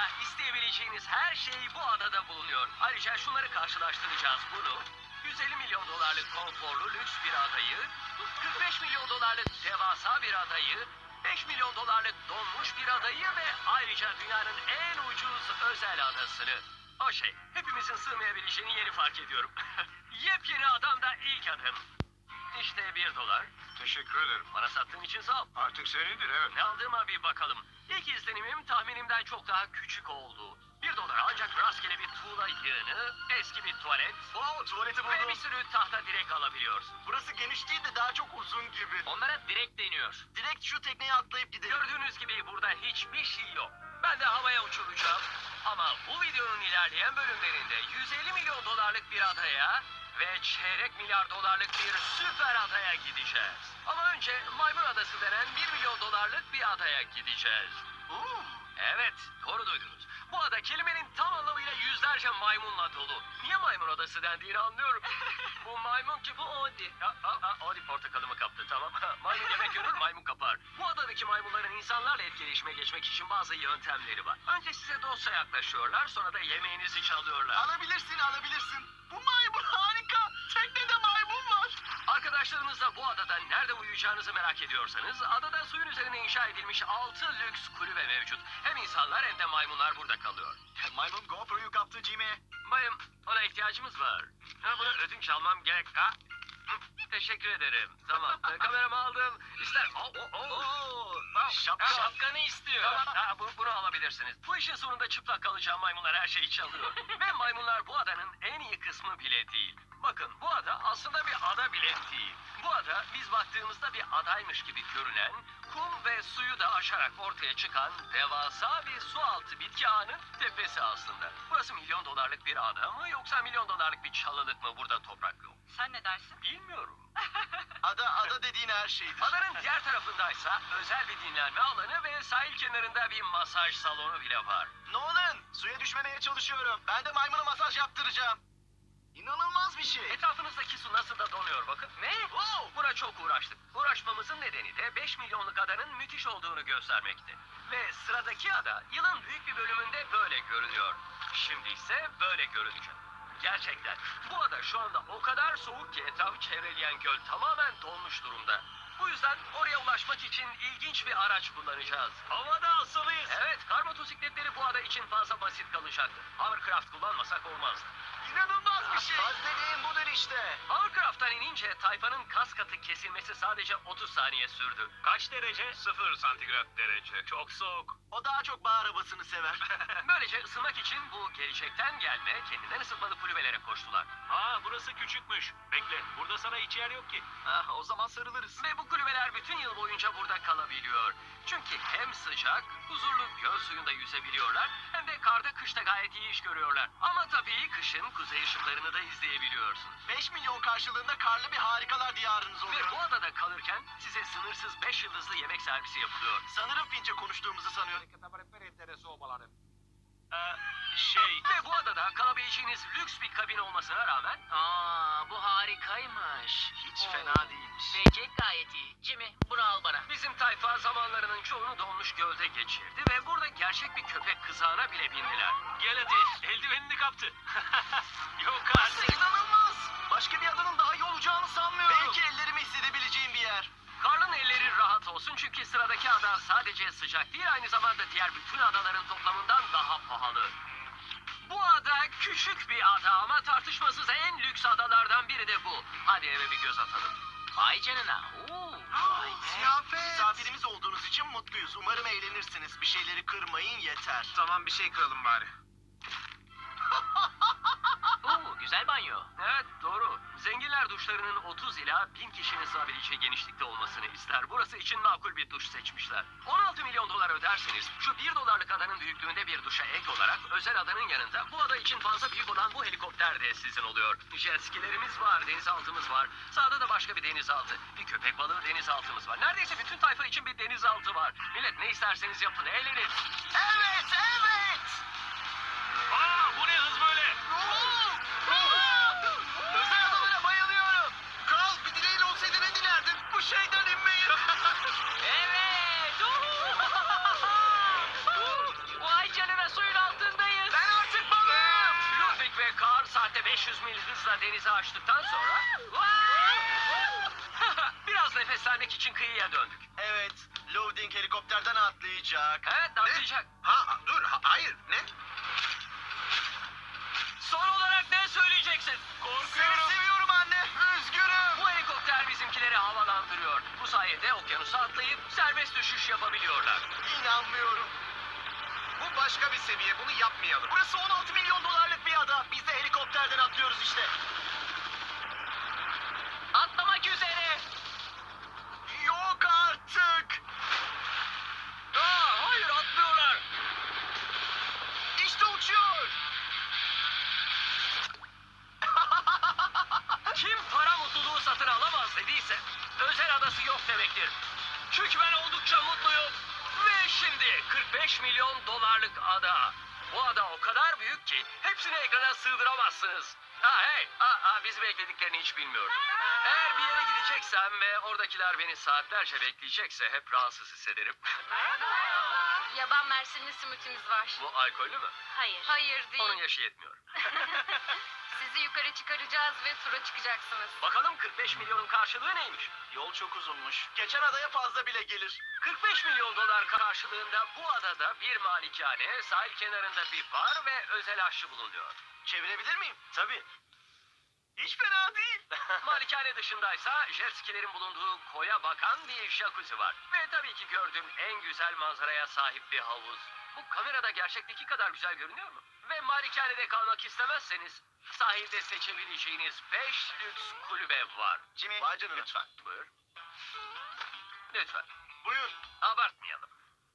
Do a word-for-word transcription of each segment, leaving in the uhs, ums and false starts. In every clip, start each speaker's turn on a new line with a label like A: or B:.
A: adada isteyebileceğiniz her şey bu adada bulunuyor. Ayrıca şunları karşılaştıracağız bunu. yüz elli milyon dolarlık konforlu lüks bir adayı, kırk beş milyon dolarlık devasa bir adayı, beş milyon dolarlık donmuş bir adayı ve ayrıca dünyanın en ucuz özel adasını. O şey, hepimizin sığmayabileceğini yeni fark ediyorum. Yepyeni adamda ilk adım. İşte bir dolar.
B: Teşekkür ederim.
A: Bana sattığın için sağ ol.
B: Artık senindir, evet.
A: Ne aldığıma bir bakalım. İlk izlenimim tahminimden çok daha küçük oldu. Bir dolar ancak rastgele bir tuğla yığını, eski bir tuvalet
B: Wow, tuvaleti
A: ve bir
B: buldum.
A: sürü tahta direk alabiliyorsun.
B: Burası geniş değil de daha çok uzun gibi.
A: Onlara direk deniyor.
B: Direkt şu tekneye atlayıp gidelim.
A: Gördüğünüz gibi burada hiçbir şey yok. Ben de havaya uçuracağım. Ama bu videonun ilerleyen bölümlerinde yüz elli milyon dolarlık bir adaya ve çeyrek milyar dolarlık bir süper adaya gideceğiz. Ama önce Maymun Adası denen bir milyon dolarlık bir adaya gideceğiz.
B: Oo.
A: Evet, doğru duydunuz. Bu ada kelimenin tam anlamıyla yüzlerce maymunla dolu. Niye maymun adası dendiğini anlıyorum. Bu maymun ki bu Odi. Ha, ha, ha, Odi portakalımı kaptı, tamam. Maymun yemek görür, maymun kapar. Bu adadaki maymunların insanlarla etkileşime geçmek için bazı yöntemleri var. Önce size dostça yaklaşıyorlar, sonra da yemeğinizi çalıyorlar.
B: Alabilirsin, alabilirsin. Bu maymun harika. Teknede maymun var.
A: Arkadaşlarınızla bu adada nerede uyuyacağınızı merak ediyorsanız, adada suyun üzerine inşa edilmiş altı lüks kulübe mevcut. Hem insanlar hem de maymunlar burada kalıyor.
B: Maymun GoPro'yu kaptı Jimmy.
A: Bayım, ona ihtiyacımız var. Ha, bunu ödünç almam gerek. Ha? Hı, teşekkür ederim. Tamam, e, kameramı aldım. İster... Oh, oh, oh.
B: Oo, şapka.
A: Ha, şapkanı istiyor. Tamam, ha, bu, bunu alabilirsiniz. Bu işin sonunda çıplak kalacağım maymunlar her şeyi çalıyor. Ve maymunlar bu adanın en iyi kısmı bile değil. Bakın, bu ada aslında bir ada bile değil. Bu ada biz baktığımızda bir adaymış gibi görünen, kum ve suyu da aşarak ortaya çıkan devasa bir su altı bitki ağının tepesi aslında. Burası milyon dolarlık bir ada mı yoksa milyon dolarlık bir çalılık mı, burada toprak yok?
C: Sen ne dersin?
A: Bilmiyorum.
B: Ada, ada dediğin her şeydir.
A: Adanın diğer tarafındaysa özel bir dinlenme alanı ve sahil kenarında bir masaj salonu bile var.
B: Nolan, suya düşmemeye çalışıyorum. Ben de maymuna masaj yaptıracağım. İnanılmaz bir şey.
A: Etrafınızdaki su nasıl da donuyor bakın. Ne?
B: Wow.
A: Buna çok uğraştık. Uğraşmamızın nedeni de beş milyonluk adanın müthiş olduğunu göstermekti. Ve sıradaki ada yılın büyük bir bölümünde böyle görünüyor. Şimdi ise böyle görünecek. Gerçekten bu ada şu anda o kadar soğuk ki etrafı çevreleyen göl tamamen donmuş durumda. Bu yüzden oraya ulaşmak için ilginç bir araç kullanacağız. Havada asılıyız. Evet, kar motosikletleri bu ada için fazla basit kalacaktı. Hovercraft kullanmasak olmazdı.
B: İnanılmaz bir şey. Az dediğin budur işte.
A: Hovercraft'tan inince tayfanın kas katı kesilmesi sadece otuz saniye sürdü. Kaç derece? Sıfır santigrat derece. Çok soğuk.
B: O daha çok bağ arabasını sever.
A: Böylece ısınmak için bu gelecekten gelme, kendinden ısıtmalı kulübelere koştular.
D: Aa, burası küçükmüş. Bekle, burada sana hiç yer yok ki.
B: Ah, o zaman sarılırız.
A: Ve bu kulübeler bütün yıl boyunca burada kalabiliyor. Çünkü hem sıcak, huzurlu göl suyunda yüzebiliyorlar, hem de karda kışta gayet iyi iş görüyorlar. Ama tabii kışın kuzey ışıklarını da izleyebiliyorsunuz.
B: beş milyon karşılığında karlı bir harikalar diyarınız
A: Ve
B: oluyor.
A: bu adada kalırken size sınırsız beş yıldızlı yemek servisi yapılıyor.
B: Sanırım Fince konuştuğumuzu sanıyor.
D: Ee, şey...
A: Ve bu adada kalabileceğiniz lüks bir kabin olmasına rağmen...
C: Aa, bu harikaymış.
B: Hiç fena değilmiş.
C: Peki, gayet iyi. Jimmy, bunu al bana.
A: Bizim tayfa zamanlarının çoğunu donmuş gölde geçirdi ve burada gerçek bir köpek kızağına bile bindiler.
D: Gel hadi, eldivenini kaptı. Yok
B: Burası
D: artık.
B: inanılmaz. Başka bir adanın daha iyi olacağını sanmıyorum. Belki ellerimi hissedebileceğim bir yer.
A: Karl'ın elleri rahat olsun çünkü sıradaki ada sadece sıcak değil, aynı zamanda diğer bütün adaların toplamından daha pahalı. Bu ada küçük bir ada ama tartışmasız en lüks adalardan biri de bu. Hadi eve bir göz atalım.
C: Vay canına. Oo, vay be.
B: Ziyafet. Misafirimiz olduğunuz için mutluyuz. Umarım eğlenirsiniz. Bir şeyleri kırmayın yeter.
D: Tamam, bir şey kıralım bari.
C: Oo, güzel banyo.
A: Evet, doğru. Zenginler duşlarının otuz ila bin kişinin sığabileceği genişlikte olmasını ister. Burası için makul bir duş seçmişler. on altı milyon dolar öderseniz şu bir dolarlık adanın büyüklüğünde bir duşa ek olarak özel adanın yanında bu ada için fazla büyük olan bu helikopter de sizin oluyor. Jet skilerimiz var, denizaltımız var. Sağda da başka bir denizaltı. Bir köpek balığı denizaltımız var. Neredeyse bütün tayfa için bir denizaltı var. Millet ne isterseniz yapın, eğlenin.
B: Evet, evet.
D: Aa, bu ne hız böyle?
B: Özel adalara bayılıyorum. Kral, bir dileğin olsaydı ne dilerdin? Bu şeyden inmeyi.
C: Evet. Oo. Vay canına, suyun
A: saatte beş yüz mil hızla denize açtıktan sonra biraz nefeslenmek için kıyıya döndük.
B: Evet, loading helikopterden atlayacak.
A: Evet, atlayacak.
B: Ha, dur, ha- hayır, ne?
A: Son olarak ne söyleyeceksin?
B: Seni seviyorum anne, üzgünüm.
A: Bu helikopter bizimkileri havalandırıyor. Bu sayede okyanusa atlayıp serbest düşüş yapabiliyorlar.
B: İnanmıyorum. Bu başka bir seviye, bunu yapmayalım. Burası on altı milyon dolarlık bir ada. Biz de helikopterden atlıyoruz işte.
A: Atlamak üzere.
B: Yok artık.
A: Aa, hayır atlıyorlar.
B: İşte uçuyor.
A: Kim para mutluluğu satın alamaz dediyse özel adası yok demektir. Çünkü ben oldukça mutluyum. Ve şimdi kırk beş milyon dolarlık ada. Bu ada o kadar büyük ki hepsini ekrana sığdıramazsınız. Ha hey, ha, ha, bizi beklediklerini hiç bilmiyorum. Eğer bir yere gideceksem ve oradakiler beni saatlerce bekleyecekse hep rahatsız hissederim.
E: Yaban mersinli simitimiz var.
A: Bu alkollü mü?
E: Hayır. Hayır değil.
A: Onun yaşı yetmiyor.
E: Sizi yukarı çıkaracağız ve tura çıkacaksınız.
A: Bakalım kırk beş milyonun karşılığı neymiş?
B: Yol çok uzunmuş. Geçen adaya fazla bile gelir.
A: kırk beş milyon dolar karşılığında bu adada bir malikane, sahil kenarında bir bar ve özel aşçı bulunuyor.
B: Çevirebilir miyim? Tabii. Hiç fena değil.
A: Malikane dışındaysa jet skilerin bulunduğu koya bakan bir jacuzzi var. Ve tabii ki gördüğüm en güzel manzaraya sahip bir havuz. Bu kamerada gerçekteki kadar güzel görünüyor mu? Ve malikanede kalmak istemezseniz sahilde seçebileceğiniz beş lüks kulübe var.
B: Jimmy, Vay canına.
A: Lütfen. Buyur. Lütfen.
B: Buyur.
A: Abartmayalım.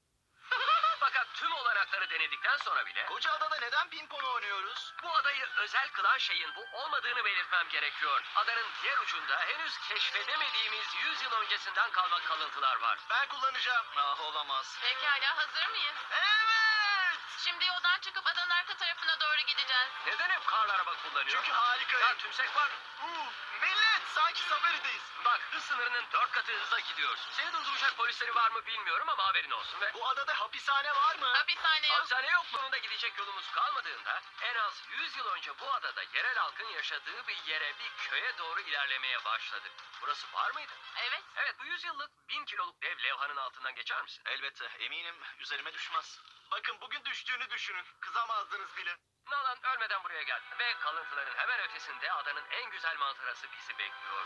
A: Fakat tüm olanakları denedikten sonra bile
B: Koca adada neden pimpon oynuyoruz?
A: bu adayı özel kılan şeyin bu olmadığını belirtmem gerekiyor. Adanın diğer ucunda henüz keşfedemediğimiz yüz yıl öncesinden kalma kalıntılar var.
B: Ben kullanacağım. Ah olamaz.
E: Pekala, hazır mıyız?
B: Evet.
E: Şimdi yoldan çıkıp adanın arka tarafına doğru gideceğiz.
A: Neden hep karlı araba kullanıyor?
B: Çünkü harikayım.
A: Ya tümsek var.
B: Uu, millet sanki safarideyiz.
A: Bak hız sınırının dört katı hızla gidiyorsun. Seni durduracak polisleri var mı bilmiyorum ama haberin olsun. Ve
B: Bu adada hapishane var mı?
E: Hapishane yok.
A: hapishane yok. Bunun da gidecek yolumuz kalmadığında en az yüz yıl önce bu adada yerel halkın yaşadığı bir yere, bir köye doğru ilerlemeye başladık. Burası var mıydı?
E: Evet.
A: Evet, bu yüz yıllık bin kiloluk dev levhanın altından geçer misin?
B: Elbette eminim üzerime düşmez. Bakın bugün düştüğünü düşünün. Kızamazdınız bile.
A: Nalan ölmeden buraya geldi ve kalıntıların hemen ötesinde adanın en güzel manzarası bizi bekliyor.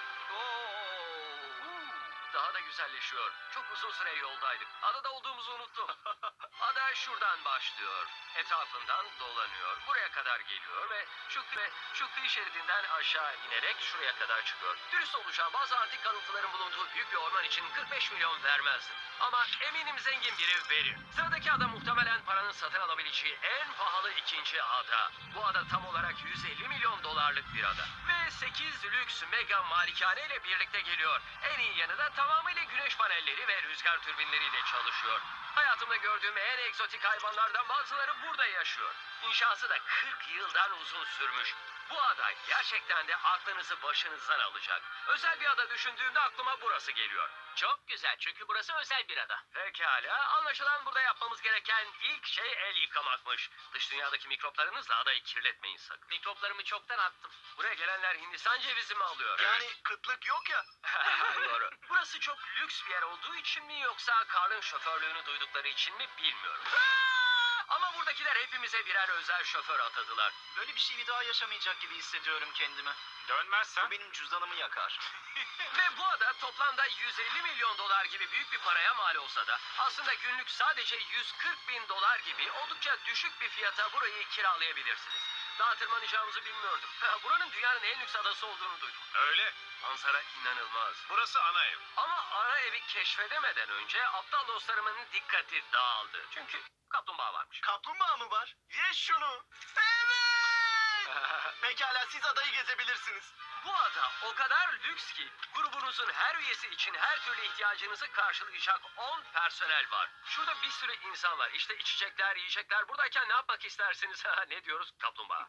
A: Oo, daha da güzelleşiyor. Çok uzun süre yoldaydık. Adada olduğumuzu unuttum. Ada şuradan başlıyor. Etrafından dolanıyor. Buraya kadar geliyor ve şu, ve şu kıyı şeridinden aşağı inerek şuraya kadar çıkıyor. Dürüst olacağım, bazı antik kalıntıların bulunduğu büyük bir orman için kırk beş milyon vermezdim. Ama eminim zengin biri verir. Sıradaki ada muhtemelen paranın satın alabileceği en pahalı ikinci ada. Bu ada tam olarak yüz elli milyon dolarlık bir ada. Ve sekiz lüks mega malikane ile birlikte geliyor. En iyi yanı da tamamıyla güneş panelleri ve rüzgar türbinleriyle çalışıyor. Hayatımda gördüğüm en egzotik hayvanlardan bazıları burada yaşıyor. İnşası da kırk yıldan uzun sürmüş. Bu ada gerçekten de aklınızı başınızdan alacak. Özel bir ada düşündüğümde aklıma burası geliyor.
C: Çok güzel çünkü burası özel bir ada.
A: Pekala, anlaşılan burada yapmamız gereken ilk şey el yıkamakmış. Dış dünyadaki mikroplarınızla adayı kirletmeyin sakın.
C: Mikroplarımı çoktan attım.
A: Buraya gelenler Hindistan cevizi mi alıyor?
B: Yani kıtlık yok ya.
A: Doğru. Burası çok lüks bir yer olduğu için mi yoksa Karl'ın şoförlüğünü duydukları için mi bilmiyorum. Ama buradakiler hepimize birer özel şoför atadılar.
B: Böyle bir şey bir daha yaşamayacak gibi hissediyorum kendimi.
D: Dönmezsen
B: Bu benim cüzdanımı yakar.
A: Ve bu ada toplamda yüz elli milyon dolar gibi büyük bir paraya mal olsa da aslında günlük sadece yüz kırk bin dolar gibi oldukça düşük bir fiyata burayı kiralayabilirsiniz. Daha tırmanacağımızı bilmiyordum. Buranın dünyanın en lüks adası olduğunu duydum.
D: öyle.
A: Manzara inanılmaz.
D: Burası ana ev.
A: Ama ana evi keşfedemeden önce aptal dostlarımın dikkati dağıldı. Çünkü kaplumbağa varmış.
B: Kaplumbağa mı var? Ye şunu. Evet. Pekala siz adayı gezebilirsiniz.
A: Bu ada o kadar lüks ki grubunuzun her üyesi için her türlü ihtiyacınızı karşılayacak on personel var. Şurada bir sürü insan var. İşte içecekler, yiyecekler. Buradayken ne yapmak istersiniz? ne diyoruz? Kaplumbağa.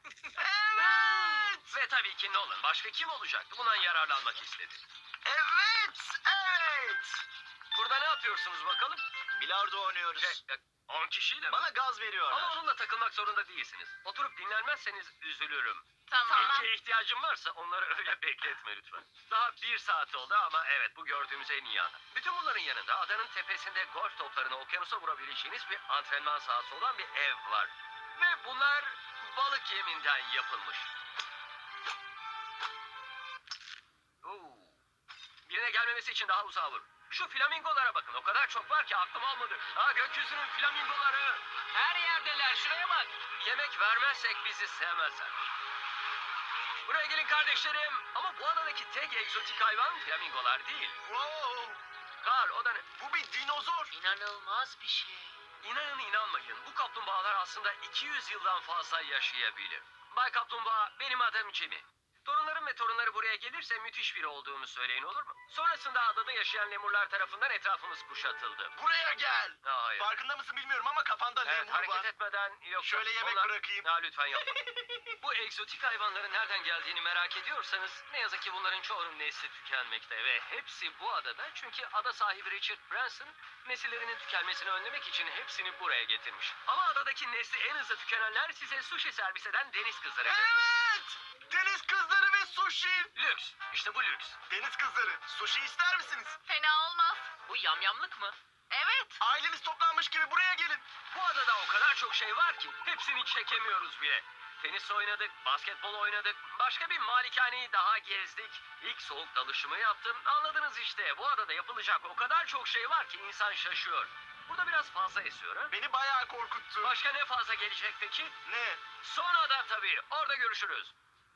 B: Evet.
A: Ve tabii ki Nolan. Başka kim olacaktı? Bundan yararlanmak istedi.
B: Evet. Evet.
A: Burada ne yapıyorsunuz bakalım?
B: Bilardo oynuyoruz.
A: Şey, on kişiyle mi?
B: Bana gaz veriyorlar.
A: Ama onunla takılmak zorunda değilsiniz. Oturup dinlenmezseniz üzülürüm.
E: Tamam.
A: İlke ihtiyacın varsa onları öyle bekletme lütfen. Daha bir saat oldu ama evet bu gördüğümüz en iyi ada. Bütün bunların yanında adanın tepesinde golf toplarını okyanusa vurabileceğiniz bir antrenman sahası olan bir ev var. Ve bunlar balık yeminden yapılmış. Oo. Birine gelmemesi için daha uzağa vur. Şu flamingolara bakın. O kadar çok var ki aklım almadı. Ha gökyüzünün flamingoları.
C: Her yerdeler. Şuraya bak.
A: Yemek vermezsek bizi sevmezler. Buraya gelin kardeşlerim. Ama bu adadaki tek egzotik hayvan flamingolar değil.
B: Wow!
A: Karl o da ne?
B: Bu bir dinozor.
C: İnanılmaz bir şey.
A: İnanın inanmayın. Bu kaplumbağalar aslında iki yüz yıldan fazla yaşayabilir. Bay Kaplumbağa benim adım Jimmy. Torunlarım ve torunları buraya gelirse müthiş biri olduğumu söyleyin olur mu? Sonrasında adada yaşayan lemurlar tarafından etrafımız kuşatıldı.
B: Buraya gel.
A: Ha, hayır.
B: Farkında mısın bilmiyorum ama kafanda
A: Evet,
B: lemur
A: hareket
B: var.
A: etmeden yok.
B: Şöyle yemek
A: Onlar-
B: bırakayım.
A: Ha, lütfen yapma. Bu egzotik hayvanların nereden geldiğini merak ediyorsanız ne yazık ki bunların çoğunun nesli tükenmekte ve hepsi bu adada çünkü ada sahibi Richard Branson nesillerinin tükenmesini önlemek için hepsini buraya getirmiş. Ama adadaki nesli en hızlı tükenenler size sushi servis eden deniz kızları.
B: Evet! Deniz kızları ve sushi.
A: Lüks. İşte bu lüks.
B: Deniz kızları, sushi ister misiniz?
E: Fena olmaz.
C: Bu yamyamlık mı?
E: Evet.
B: Aileniz toplanmış gibi buraya gelin.
A: Bu adada o kadar çok şey var ki hepsini çekemiyoruz bile. Tenis oynadık, basketbol oynadık, başka bir malikaneyi daha gezdik. İlk soğuk dalışımı yaptım. Anladınız işte bu adada yapılacak o kadar çok şey var ki insan şaşıyor. Burada biraz fazla esiyor ha?
B: Beni bayağı korkuttu.
A: Başka ne fazla gelecek peki?
B: Ne?
A: Son ada tabii. Orada görüşürüz.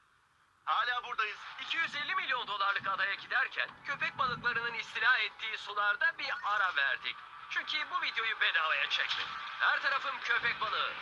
B: Hala buradayız.
A: iki yüz elli milyon dolarlık adaya giderken köpek balıklarının istila ettiği sularda bir ara verdik. Çünkü bu videoyu bedavaya çektim. Her tarafım köpek balığı.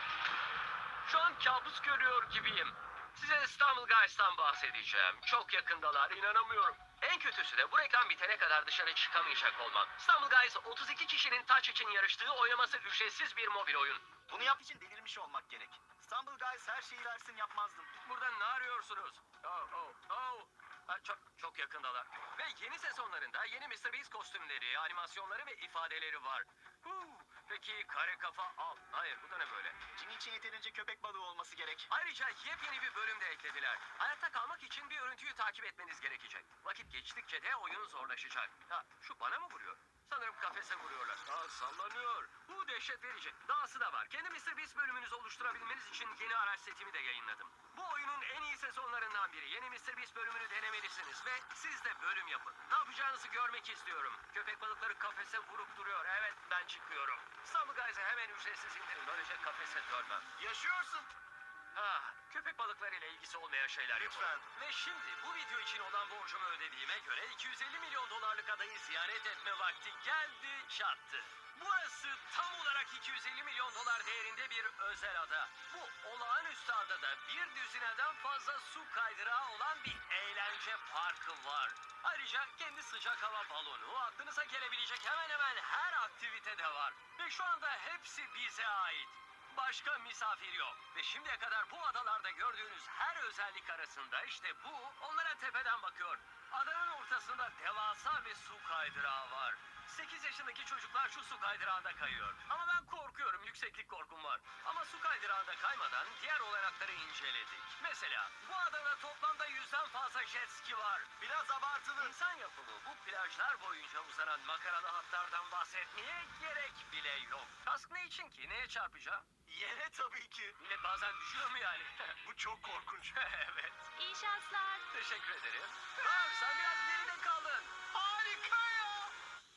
A: Şu an kabus görüyor gibiyim. Size İstanbul Guys'tan bahsedeceğim. Çok yakındalar, inanamıyorum. En kötüsü de bu reklam bitene kadar dışarı çıkamayacak olmam. İstanbul Guys otuz iki kişinin taç için yarıştığı oynaması ücretsiz bir mobil oyun.
B: Bunu yap için delirmiş olmak gerek. İstanbul Guys her şeyi versin yapmazdım.
A: Burada ne arıyorsunuz? Oh, oh, oh. Ha, çok, çok yakındalar. Ve yeni sezonlarında yeni mister Beast kostümleri, animasyonları ve ifadeleri var. Huu, peki kare kafa al. Hayır bu da ne böyle?
B: Jimmy için yeterince köpek balığı olması gerek.
A: Ayrıca yepyeni bir bölüm de eklediler. Hayatta kalmak için bir örüntüyü takip etmeniz gerekecek. Vakit geçtikçe de oyun zorlaşacak. Ha, şu bana mı vuruyor? Sanırım kafese vuruyorlar. Aa, sallanıyor. Bu dehşet verici. Dahası da var. Kendi mister Beast bölümünüzü oluşturabilmeniz için yeni araç setimi de yayınladım. Bu oyunun en iyi sezonlarından biri. Yeni mister Beast bölümünü denemelisiniz ve siz de bölüm yapın. Ne yapacağınızı görmek istiyorum. Köpek balıkları kafese vurup duruyor. Evet ben çıkıyorum. İstanbul Guys'ı hemen ücretsiz indirin. Böylece kafese dönmem.
B: Yaşıyorsun.
A: Ah, köpek balıklarıyla ilgisi olmayan şeyler
B: Lütfen.
A: yapalım. Ve şimdi bu video için olan borcumu ödediğime göre iki yüz elli milyon dolarlık adayı ziyaret etme vakti geldi çattı. Burası tam olarak iki yüz elli milyon dolar değerinde bir özel ada. Bu olağanüstü adada bir düzineden fazla su kaydırağı olan bir eğlence parkı var. Ayrıca kendi sıcak hava balonu, aklınıza gelebilecek hemen hemen her aktivite de var. Ve şu anda hepsi bize ait. Başka misafir yok. Ve şimdiye kadar bu adalarda gördüğünüz her özellik arasında işte bu onlara tepeden bakıyor. Adanın ortasında devasa bir su kaydırağı var. sekiz yaşındaki çocuklar şu su kaydırağında kayıyor. Ama ben korkuyorum, yükseklik korkum var. Ama su kaydırağında kaymadan diğer olanakları inceledik. Mesela bu adada toplamda yüzden fazla jet ski var.
B: Biraz abartılı.
A: İnsan yapımı bu plajlar boyunca uzanan makaralı hatlardan bahsetmeye gerek bile yok. Kask ne için ki? Neye çarpacağım?
B: Yere tabii ki.
A: Millet bazen düşüyor mu yani?
B: Bu çok korkunç.
A: Evet.
E: İyi şanslar.
A: Teşekkür ederim. Ha, sen biraz geride kaldın.
B: Harika ya.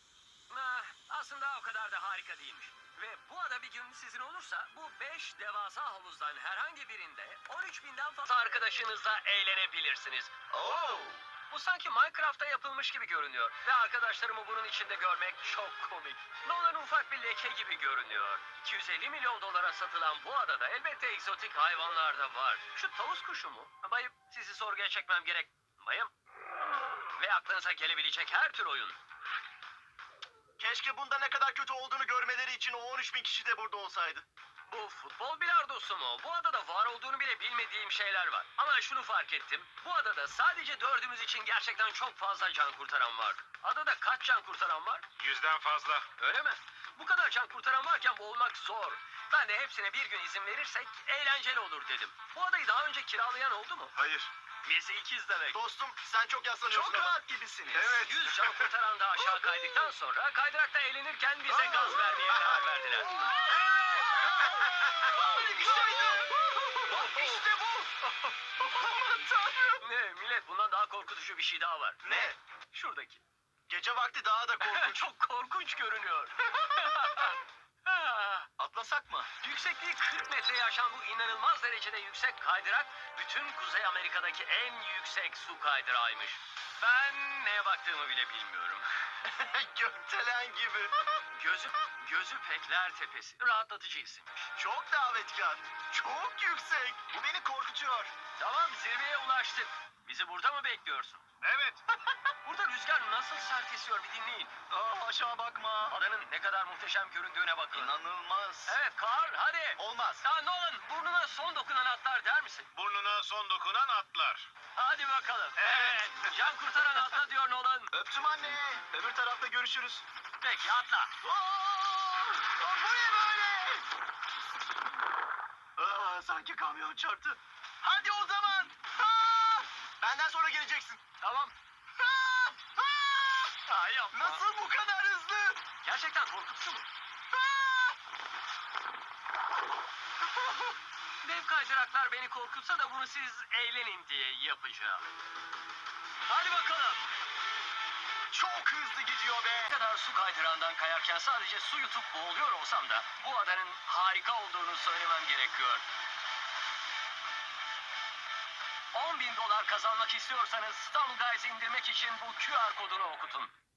A: Ah, aslında o kadar da harika değilmiş. Ve bu ada bir gün sizin olursa bu beş devasa havuzdan herhangi birinde on üç binden fazla arkadaşınızla eğlenebilirsiniz.
B: Oo.
A: Bu sanki Minecraft'ta yapılmış gibi görünüyor. Ve arkadaşlarımı bunun içinde görmek çok komik. Onların ufak bir leke gibi görünüyor. iki yüz elli milyon dolara satılan bu adada elbette egzotik hayvanlar da var. Şu tavus kuşu mu? Bayım sizi sorguya çekmem gerek. Bayım. Ve aklınıza gelebilecek her tür oyun.
B: Keşke bunda ne kadar kötü olduğunu görmeleri için o on üç bin kişi de burada olsaydı.
A: Bu futbol bilardosu mu? Bu adada var olduğunu bile bilmediğim şeyler var. Ama şunu fark ettim. Bu adada sadece dördümüz için gerçekten çok fazla can kurtaran var. Adada kaç can kurtaran var?
B: Yüzden fazla.
A: Öyle mi? Bu kadar can kurtaran varken boğulmak zor. Ben de hepsine bir gün izin verirsek eğlenceli olur dedim. Bu adayı daha önce kiralayan oldu mu?
B: Hayır.
A: Bizi ikiz demek.
B: Dostum sen çok yaslanıyorsun
A: Çok
B: ama.
A: rahat gibisiniz.
B: Evet.
A: Yüz can kurtaran da aşağı kaydıktan sonra kaydırakta eğlenirken bize gaz vermeye karar verdiler.
B: İşte bu. Aman tanrım.
A: Ne millet, bundan daha korkutucu bir şey daha var.
B: Ne?
A: Şuradaki.
B: Gece vakti daha da korkunç.
A: Çok korkunç görünüyor.
B: Atlasak mı?
A: Yüksekliği kırk metreye aşan bu inanılmaz derecede yüksek kaydırak bütün Kuzey Amerika'daki en yüksek su kaydırağıymış. Ben neye baktığımı bile bilmiyorum.
B: Gökdelen gibi.
A: Gözü, gözü Pekler Tepesi. Rahatlatıcı isimmiş.
B: Çok davetkar. Çok yüksek. Bu beni korkutuyor.
A: Tamam, zirveye ulaştık. Bizi burada mı bekliyorsun?
B: Evet.
A: Burada rüzgar nasıl sert esiyor bir dinleyin.
B: Aa, aşağı bakma.
A: Adanın ne kadar muhteşem göründüğüne bakın.
B: İnanılmaz.
A: Evet Carl, hadi.
B: Olmaz.
A: Ya Nolan, burnuna son dokunan atlar der misin?
B: Burnuna son dokunan atlar.
A: Hadi bakalım.
B: Evet.
A: Can kurtaran atla diyor Nolan.
B: Öptüm anne. Öbür tarafta görüşürüz.
A: Peki atla.
B: Aa, aa, bu ne böyle? Aa, sanki kamyon çarptı. Hadi o zaman. Aa, benden sonra geleceksin.
A: Tamam.
B: Aa, aa,
A: Ay yapma.
B: nasıl bu kadar hızlı?
A: Gerçekten korkutucu mu?
B: Aa!
A: Dev kaydıraklar beni korkutsa da bunu siz eğlenin diye yapacağım. Hadi bakalım.
B: Çok hızlı gidiyor be.
A: Ne kadar su kaydırağından kayarken sadece su yutup boğuluyor olsam da bu adanın harika olduğunu söylemem gerekiyor. on bin dolar kazanmak istiyorsanız Stumble Guys'i indirmek için bu Q R kodunu okutun.